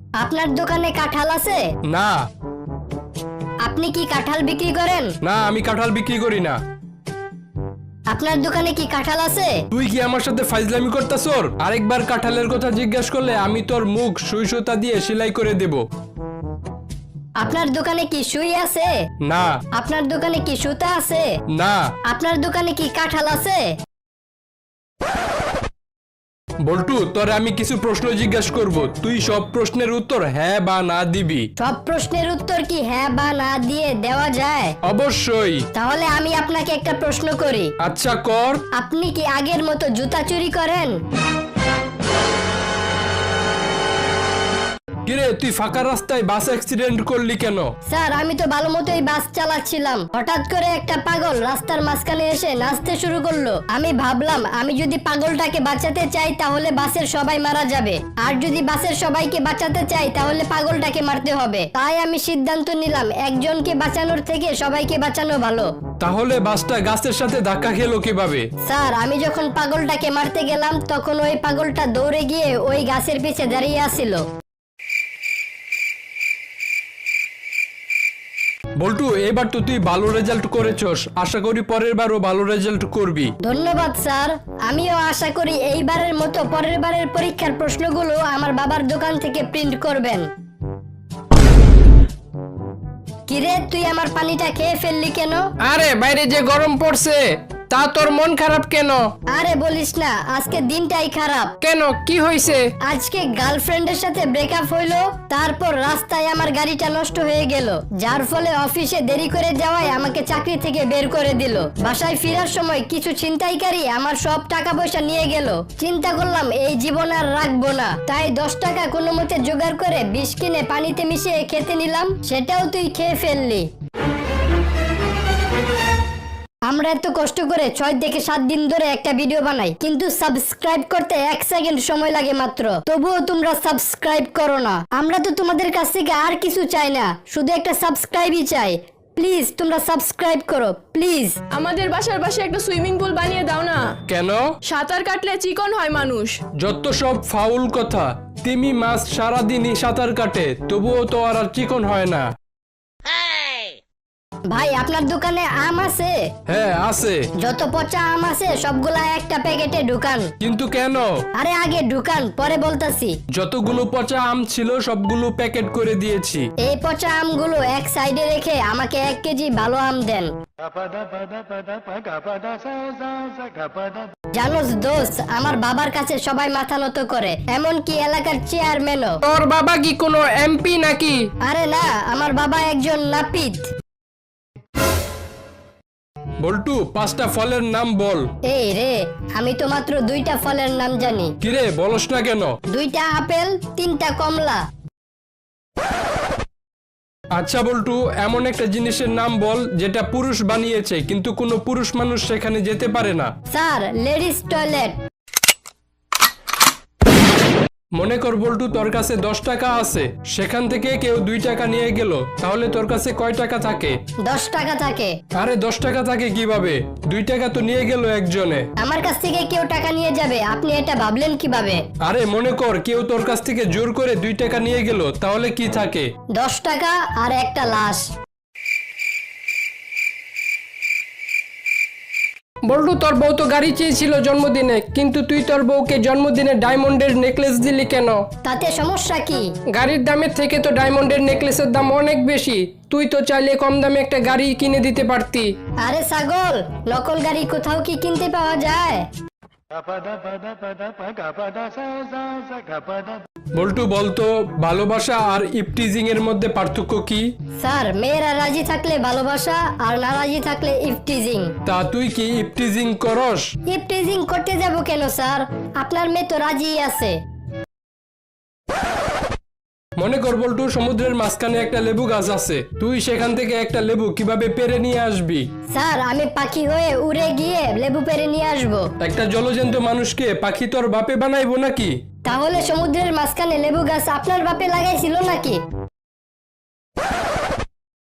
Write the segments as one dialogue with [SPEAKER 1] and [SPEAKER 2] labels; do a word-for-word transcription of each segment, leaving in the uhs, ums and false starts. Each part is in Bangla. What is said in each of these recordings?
[SPEAKER 1] আপনার দোকানে কাঁঠাল আছে?
[SPEAKER 2] না।
[SPEAKER 1] আপনি কি কাঁঠাল বিক্রি করেন?
[SPEAKER 2] না, আমি কাঁঠাল বিক্রি করি না।
[SPEAKER 1] আপনার দোকানে কি কাঁঠাল আছে?
[SPEAKER 2] তুই কি আমার সাথে ফাইজলামি করতাছর? আরেকবার কাঁঠালের কথা জিজ্ঞাসা করলে আমি তোর মুখ সুই সুতা দিয়ে সেলাই করে দেব।
[SPEAKER 1] আপনার দোকানে কি সুই আছে?
[SPEAKER 2] না।
[SPEAKER 1] আপনার দোকানে কি সুতা আছে?
[SPEAKER 2] না।
[SPEAKER 1] আপনার দোকানে কি কাঁঠাল আছে?
[SPEAKER 2] বল্টু, তোরে আমি কিছু প্রশ্ন জিজ্ঞাসা করব, তুই সব প্রশ্নের উত্তর হ্যাঁ বা না দিবি।
[SPEAKER 1] সব প্রশ্নের উত্তর কি হ্যাঁ বা না দিয়ে দেওয়া যায়?
[SPEAKER 2] অবশ্যই।
[SPEAKER 1] তাহলে আমি আপনাকে একটা প্রশ্ন করি।
[SPEAKER 2] আচ্ছা, কর।
[SPEAKER 1] আপনি কি আগের মতো জুতা চুরি করেন?
[SPEAKER 2] কিরে, তুই ফাঁকা রাস্তায় বাস অ্যাক্সিডেন্ট করলি কেন?
[SPEAKER 1] স্যার, আমি তো ভালো মতোই বাস চালাচ্ছিলাম, হঠাৎ করে একটা পাগল রাস্তার মাঝখানে এসে নাচতে শুরু করলো। আমি ভাবলাম আমি যদি পাগলটাকে বাঁচাতে চাই তাহলে বাসের সবাই মারা যাবে, আর যদি বাসের সবাইকে বাঁচাতে চাই তাহলে পাগলটাকে মারতে হবে। তাই আমি সিদ্ধান্ত নিলাম একজনকে বাঁচানোর থেকে সবাইকে বাঁচানো ভালো।
[SPEAKER 2] তাহলে বাসটা গাছের সাথে ধাক্কা খেলো কিভাবে?
[SPEAKER 1] স্যার, আমি যখন পাগলটাকে মারতে গেলাম তখন ওই পাগলটা দৌড়ে গিয়ে ওই গাছের পিছে দাঁড়িয়ে আছিল।
[SPEAKER 2] বল্টু, এবার তো তুই ভালো রেজাল্ট করেছস, আশা করি পরের বারও ভালো রেজাল্ট করবি।
[SPEAKER 1] ধন্যবাদ স্যার, আমিও আশা করি এইবারের মতো পরের বারের পরীক্ষার প্রশ্নগুলো আমার বাবার দোকান থেকে প্রিন্ট করবেন। কিরে, তুই আমার পানিটা খেয়ে ফেললি কেন?
[SPEAKER 3] আরে বাইরে যে গরম পড়ছে, তা তোর মন খারাপ কেন?
[SPEAKER 1] আরে বলিস না, আজকে দিনটাই খারাপ।
[SPEAKER 3] কেন, কি হয়েছে?
[SPEAKER 1] আজকে গার্লফ্রেন্ডের সাথে ব্রেকআপ হইলো, তারপর রাস্তায় আমার গাড়িটা নষ্ট হয়ে গেল, যার ফলে অফিসে দেরি করে যাওয়ায় আমাকে চাকরি থেকে বের করে দিল। বাসায় ফেরার সময় কিছু ছিনতাইকারী আমার সব টাকা পয়সা নিয়ে গেল। চিন্তা করলাম এই জীবন আর রাখবো না, তাই দশ টাকা কোনো মতে জোগাড় করে বিষ কিনে পানিতে মিশিয়ে খেতে নিলাম, সেটাও তুই খেয়ে ফেললি। আমরা এত কষ্ট করে ছয় থেকে সাত দিন ধরে একটা ভিডিও বানাই, কিন্তু সাবস্ক্রাইব করতে এক সেকেন্ড সময় লাগে মাত্র, তবুও তোমরা সাবস্ক্রাইব করো না। আমরা তো তোমাদের কাছ থেকে আর কিছু চাই না, শুধু একটা সাবস্ক্রাইবই চাই। প্লিজ তোমরা সাবস্ক্রাইব করো, প্লিজ।
[SPEAKER 4] আমাদের বাসার পাশে একটা সুইমিং পুল বানিয়ে দাও না।
[SPEAKER 2] কেন?
[SPEAKER 4] সাঁতার কাটলে চিকন হয় মানুষ।
[SPEAKER 2] যত সব ফাউল কথা। তিমি মাছ সারাদিনই সাঁতার কাটে, তবুও তো আর আর চিকন হয় না।
[SPEAKER 1] ভাই, আপনার দোকানে আম আছে?
[SPEAKER 2] হ্যাঁ, আছে।
[SPEAKER 1] যত পচা আম আছে সবগুলা একটা প্যাকেটে ঢুকান।
[SPEAKER 2] কিন্তু কেন?
[SPEAKER 1] আরে আগে ঢুকান, পরে বলতাছি।
[SPEAKER 2] যতগুলো পচা আম ছিল সবগুলো প্যাকেট করে দিয়েছি।
[SPEAKER 1] এই পচা আমগুলো এক সাইডে রেখে আমাকে এক কেজি ভালো আম দেন। জানোস দোস্ত, আমার বাবার কাছে সবাই মাথা নত করে, এমনকি এলাকার চেয়ারম্যানও।
[SPEAKER 3] তোর বাবা কি কোনো এমপি নাকি?
[SPEAKER 1] আরে না, আমার বাবা একজন নাপিত।
[SPEAKER 2] বল্টু, পাঁচটা ফলের নাম বল।
[SPEAKER 1] এই রে, আমি তো মাত্র দুইটা ফলের নাম জানি।
[SPEAKER 2] কিরে, বলস না কেন?
[SPEAKER 1] দুইটা আপেল, তিনটা কমলা।
[SPEAKER 2] আচ্ছা বল্টু, এমন একটা জিনিসের নাম বল যেটা পুরুষ বানিয়েছে কিন্তু কোনো পুরুষ মানুষ সেখানে যেতে পারে না।
[SPEAKER 1] Sir, ladies toilet.
[SPEAKER 2] মনে কর বল্টু, তোর কাছে দশ টাকা আছে, সেখান থেকে কেউ দুই টাকা নিয়ে গেল, তাহলে তোর কাছে কয় টাকা থাকে?
[SPEAKER 1] দশ টাকা থাকে।
[SPEAKER 2] আরে দশ টাকা থাকে কিভাবে? দুই টাকা তো নিয়ে গেল একজনে।
[SPEAKER 1] আমার কাছ থেকে কেউ টাকা নিয়ে যাবে, আপনি এটা ভাবলেন কিভাবে?
[SPEAKER 2] আরে মনে কর কেউ তোর কাছ থেকে জোর করে দুই টাকা নিয়ে গেল, তাহলে কি থাকে?
[SPEAKER 1] দশ টাকা আর একটা লাশ।
[SPEAKER 3] বল্টু, তোর বউ তো গাড়ি চেয়েছিল জন্মদিনে, কিন্তু তুই তোর বউকে জন্মদিনে ডায়মন্ডের নেকলেস দিলি কেন?
[SPEAKER 1] তাতে সমস্যা কি?
[SPEAKER 3] গাড়ির দামের থেকে তো ডায়মন্ডের নেকলেসের দাম অনেক বেশি, তুই তো চাইলে কম দামে একটা গাড়ি কিনে দিতে পারতি।
[SPEAKER 1] আরে ছাগল, নকল গাড়ি কোথাও কি কিনতে পাওয়া যায়?
[SPEAKER 2] বল্টু বলতো, ভালোবাসা আর ইপটিজিং এর মধ্যে পার্থক্য কি?
[SPEAKER 1] স্যার, মেয়েরা রাজি থাকলে ভালোবাসা, আর না রাজি থাকলে ইফটিজিং।
[SPEAKER 2] তা তুই কি ইপটিজিং করস?
[SPEAKER 1] ইফটিজিং করতে যাব কেন স্যার? আপনার মেয়ে তো রাজি আছে।
[SPEAKER 2] মনে কর বল্টু, সমুদ্রের মাঝখানে একটা লেবু গাছ আছে, তুই সেখান থেকে একটা লেবু কিভাবে পেরে নিয়ে আসবি?
[SPEAKER 1] স্যার, আমি পাখি হয়ে উড়ে গিয়ে লেবু পেরে নিয়ে আসবো।
[SPEAKER 2] একটা জলজন্ত মানুষকে পাখি তোর বাপে বানাইবো নাকি?
[SPEAKER 1] তাহলে সমুদ্রের মাঝখানে লেবু গাছ আপনার বাপে লাগাইছিল নাকি?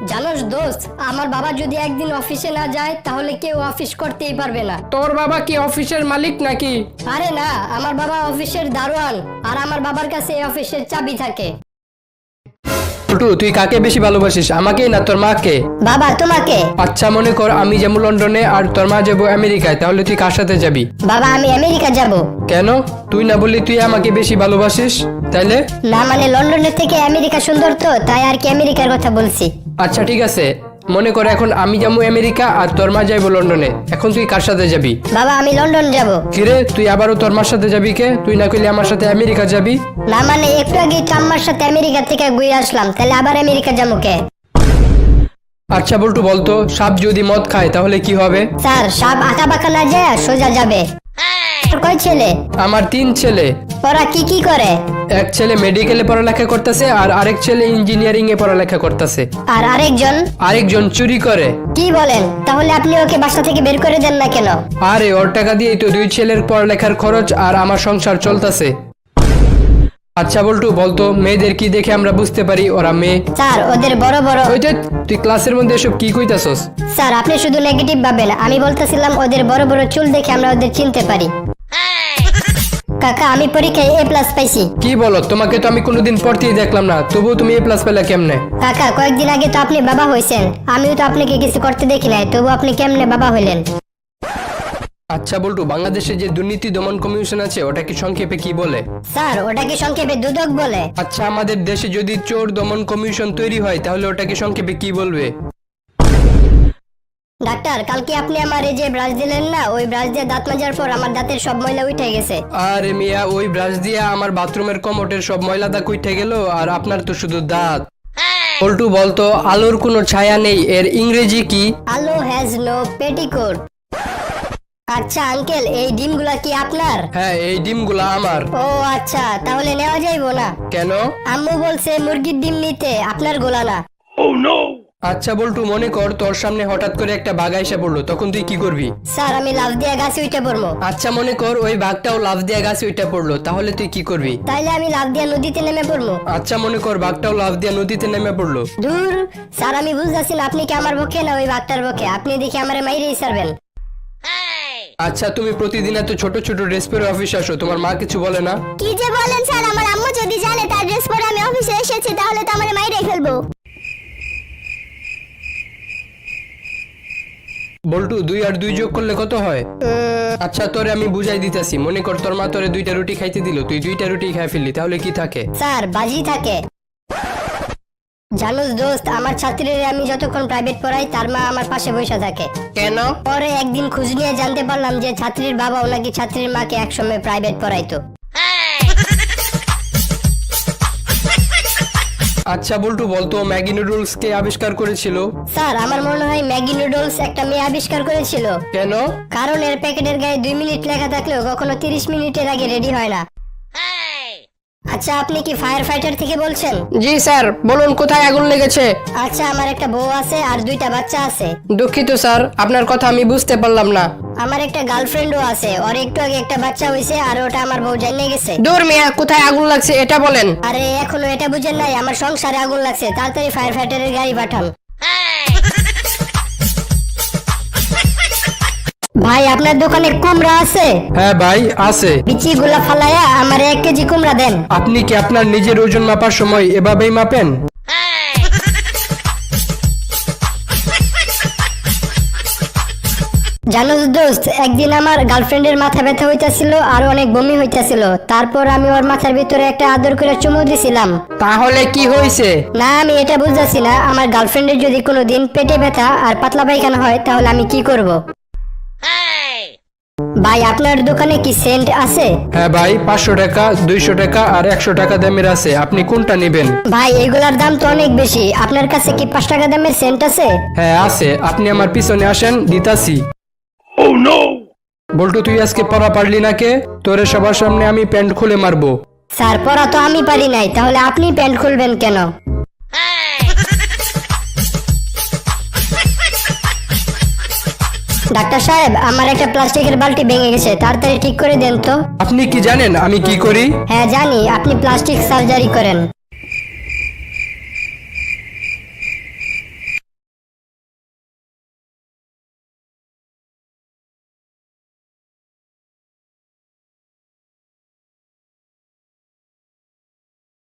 [SPEAKER 1] জানোস দোস্ত, আমার বাবা যদি একদিন অফিসে না যায় তাহলে কেউ অফিস করতেই পারবে না।
[SPEAKER 3] তোর বাবা কি অফিসের মালিক নাকি?
[SPEAKER 1] আরে না, আমার বাবা অফিসের দারোয়ান, আর আমার বাবার কাছে এই অফিসের চাবি থাকে।
[SPEAKER 2] বল্টু, তুই কাকে বেশি ভালোবাসিস, আমাকে না তোর মাকে?
[SPEAKER 1] বাবা তোমাকে।
[SPEAKER 2] আচ্ছা মনে কর আমি যাবো লন্ডনে আর তোর মা যাবো আমেরিকায়, তাহলে তুই কার সাথে যাবি?
[SPEAKER 1] বাবা আমি আমেরিকা যাব।
[SPEAKER 2] কেন? তুই না বললি তুই আমাকে বেশি ভালোবাসিস, তাইলে?
[SPEAKER 1] না মানে লন্ডনের থেকে আমেরিকা সুন্দর তো, তাই আর কি আমেরিকার কথা বলছি।
[SPEAKER 2] আচ্ছা ঠিক আছে, মনে কর এখন আমি যাবো আমেরিকা আর তোর মা যাইবো লন্ডনে, এখন তুই কার সাথে যাবি?
[SPEAKER 1] বাবা আমি লন্ডন যাব।
[SPEAKER 2] কিরে, তুই আবারও তোর মার সাথে যাবি কে? তুই না কইলে আমার সাথে আমেরিকা যাবি?
[SPEAKER 1] না মানে একটু আগে তো আমার সাথে আমেরিকা থেকে ঘুরে আসলাম, তাহলে আবার আমেরিকা যাবো কে?
[SPEAKER 2] আচ্ছা বল্টু বলতো, সাপ যদি মদ খায় তাহলে কি হবে?
[SPEAKER 1] স্যার সাপ আঁকা বাঁকা না যায় সোজা যাবে। কয় ছেলে?
[SPEAKER 2] আমার তিন ছেলে।
[SPEAKER 1] ওরা কি কি করে?
[SPEAKER 2] এক ছেলে মেডিকেলে পড়ালেখা করতেছে আর আরেক ছেলে ইঞ্জিনিয়ারিং এ পড়ালেখা করতেছে।
[SPEAKER 1] আর আরেকজন?
[SPEAKER 2] আরেকজন চুরি করে।
[SPEAKER 1] কি বলেন? তাহলে আপনি ওকে বাসা থেকে বের করে দেন না কেন?
[SPEAKER 2] আরে ওর টাকা দিয়েই তো দুই ছেলের পড়ালেখার খরচ আর আমার সংসার চলতেছে। আচ্ছা বল্টু বলতো, মেয়েদের কি দেখে আমরা বুঝতে পারি ওরা মেয়ে?
[SPEAKER 1] স্যার ওদের বড় বড়।
[SPEAKER 2] ওই যে, তুই ক্লাসের মধ্যে এসব কি কইতাছস?
[SPEAKER 1] স্যার আপনি শুধু নেগেটিভ ভাবেন, আমি বলতেছিলাম ওদের বড় বড় চুল দেখে আমরা ওদের চিনতে পারি। কাকা আমি পরীক্ষায় এ প্লাস পাইছি।
[SPEAKER 2] কি বলো, তোমাকে তো আমি কোনোদিন পড়তেই দেখলাম না, তবুও তুমি এ প্লাস পেলে কেমনে?
[SPEAKER 1] কাকা কয়েকদিন আগে তো আপনি বাবা হয়েছেন, আমিও তো আপনাকে কিছু করতে দেখি নাই, তবু আপনি কেমনে বাবা হইলেন?
[SPEAKER 2] আচ্ছা বল্টু, বাংলাদেশে যে দুর্নীতি দমন কমিশন আছে ওটা কি সংক্ষেপে কি বলে?
[SPEAKER 1] স্যার ওটাকে সংক্ষেপে দুদক বলে।
[SPEAKER 2] আচ্ছা আমাদের দেশে যদি চোর দমন কমিশন তৈরি হয় তাহলে ওটাকে সংক্ষেপে কি বলবে?
[SPEAKER 1] ডাক্তার কালকে আপনি আমার এই যে ব্রাশ দিলেন না, ওই ব্রাশ দিয়ে দাঁত মাজার পর আমার দাঁতের সব ময়লা উঠে গেছে।
[SPEAKER 2] আরে মিয়া, ওই ব্রাশ দিয়ে আমার বাথরুমের কমোটের সব ময়লা দাগ উঠে গেল, আর আপনার তো শুধু দাঁত। বল্টু বলতো, আলোর কোনো ছায়া নেই এর ইংরেজি কি?
[SPEAKER 1] Alo has no petticoat. আচ্ছা আঙ্কেল এই ডিমগুলা কি আপনার?
[SPEAKER 2] হ্যাঁ, এই ডিমগুলা আমার।
[SPEAKER 1] ও আচ্ছা, তাহলে নেওয়া যাইবো না?
[SPEAKER 2] কেন?
[SPEAKER 1] আম্মু বলছে মুরগির ডিম নিতে, আপনার গোলা না।
[SPEAKER 2] আচ্ছা বল্টু, মনে কর তোর সামনে হঠাৎ করে একটা বাঘ এসে পড়লো, তখন তুই কি করবি?
[SPEAKER 1] স্যার আমি লাফ দিয়ে গাছে উঠে পড়বো।
[SPEAKER 2] আচ্ছা মনে কর ওই বাঘটাও লাফ দিয়ে গাছে উঠে পড়লো, তাহলে তুই কি করবি?
[SPEAKER 1] তাইলে আমি লাফ দিয়ে নদীতে নেমে পড়বো।
[SPEAKER 2] আচ্ছা মনে কর বাঘটাও লাফ দিয়ে নদীতে নেমে পড়লো।
[SPEAKER 1] দূর স্যার, আমি বুঝতেছি না আপনি কি আমার পক্ষে না ওই বাঘটার পক্ষে, আপনি দেখি আমার মাইরেই ছাড়বেন।
[SPEAKER 2] আচ্ছা তুমি প্রতিদিন এত ছোট ছোট ড্রেস পরে অফিসে আসো, তোমার মা কিছু বলে না?
[SPEAKER 1] কি যে বলেন স্যার, আমার আম্মু যদি জানে তার ড্রেস পরে আমি অফিসে এসেছি তাহলে তো আমার মাইরেই ফেলবো।
[SPEAKER 2] বল্টু, দুই আর দুই যোগ করলে কত হয়? আচ্ছা তোরে আমি বুঝাই দিতেছি, মনে কর তোর মা তোরে দুইটা রুটি খাইতে দিল, তুই দুইটা রুটি খাই ফেললি, তাহলে কি থাকে?
[SPEAKER 1] স্যার বাজি থাকে। জানোস দোস্ত, আমার ছাত্রীদের আমি যতক্ষণ প্রাইভেট পড়াই তার মা আমার পাশে বসে থাকে।
[SPEAKER 2] কেন?
[SPEAKER 1] পরে একদিন খোঁজ নিয়ে জানতে পারলাম যে ছাত্রীর বাবা নাকি ছাত্রীর মাকে একসময় প্রাইভেট পড়াইতো।
[SPEAKER 2] আচ্ছা বল্টু বলতো, ম্যাগি নুডলস কে আবিষ্কার করেছিল?
[SPEAKER 1] স্যার আমার মনে হয় ম্যাগি নুডলস একটা মেয়ে আবিষ্কার করেছিল।
[SPEAKER 2] কেন?
[SPEAKER 1] কারণ এর প্যাকেটের গায়ে দুই মিনিট লেখা থাকলেও কখনো তিরিশ মিনিটের আগে রেডি হয় না। আচ্ছা আপনি কি ফায়ার ফাইটার থেকে বলছেন?
[SPEAKER 3] জি স্যার, বলুন কোথায় আগুন লেগেছে?
[SPEAKER 1] আচ্ছা আমার একটা বউ আছে আর দুইটা বাচ্চা আছে।
[SPEAKER 3] দুঃখিত স্যার, আপনার কথা আমি বুঝতে পারলাম না।
[SPEAKER 1] আমার একটা গার্লফ্রেন্ডও আছে, ওর একটু আগে একটা বাচ্চা হয়েছে আর ওটা আমার বউ জানিয়ে গেছে।
[SPEAKER 3] দূর মিয়া, কোথায় আগুন লাগছে এটা বলেন।
[SPEAKER 1] আরে এখনো এটা বুঝেন নাই, আমার সংসারে আগুন লাগছে, তাড়াতাড়ি ফায়ার ফাইটারের গাড়ি পাঠান। ভাই আপনার দোকানে কুমড়া আছে?
[SPEAKER 2] হ্যাঁ ভাই আছে।
[SPEAKER 1] বিচি গুলা ফালায়া আমার এক কেজি কুমড়া দেন।
[SPEAKER 2] আপনি কি আপনার নিজের ওজন মাপার সময় এভাবেই মাপেন?
[SPEAKER 1] জানো দোস্ত, একদিন আমার গার্লফ্রেন্ডের মাথা ব্যথা হইতাছিল আর অনেক বমি হইতাছিল, তারপর আমি ওর মাথার ভিতরে একটা আদর করে চুমু দিছিলাম।
[SPEAKER 3] তাহলে কি হয়েছে?
[SPEAKER 1] না আমি এটা বুঝতেছি না, আমার গার্লফ্রেন্ডের যদি কোনোদিন পেটে ব্যথা আর পাতলা পায়খানা হয় তাহলে আমি কি করব? ভাই আপনার দোকানে কি সেন্ট আছে?
[SPEAKER 2] হ্যাঁ ভাই, পাঁচশো টাকা, দুইশো টাকা আর একশো টাকা দামের আছে, আপনি কোনটা নেবেন?
[SPEAKER 1] ভাই এগুলার দাম তো অনেক বেশি, আপনার কাছে কি পাঁচ টাকা দামের সেন্ট আছে?
[SPEAKER 2] হ্যাঁ আছে, আপনি আমার পিছনে আসেন, দিতাছি। বল্টু তুই আজকে পড়া পারলি না কে? তোরে সবার সামনে আমি প্যান্ট খুলে মারবো।
[SPEAKER 1] স্যার পড়া তো আমি পারি নাই, তাহলে আপনি প্যান্ট খুলবেন কেন? ডাক্তার সাহেব আমার একটা প্লাস্টিকের বালতি ভেঙে গেছে, তাড়াতাড়ি ঠিক করে দেন তো।
[SPEAKER 2] আপনি কি জানেন আমি কি করি?
[SPEAKER 1] হ্যাঁ জানি, আপনি প্লাস্টিক সার্জারি করেন।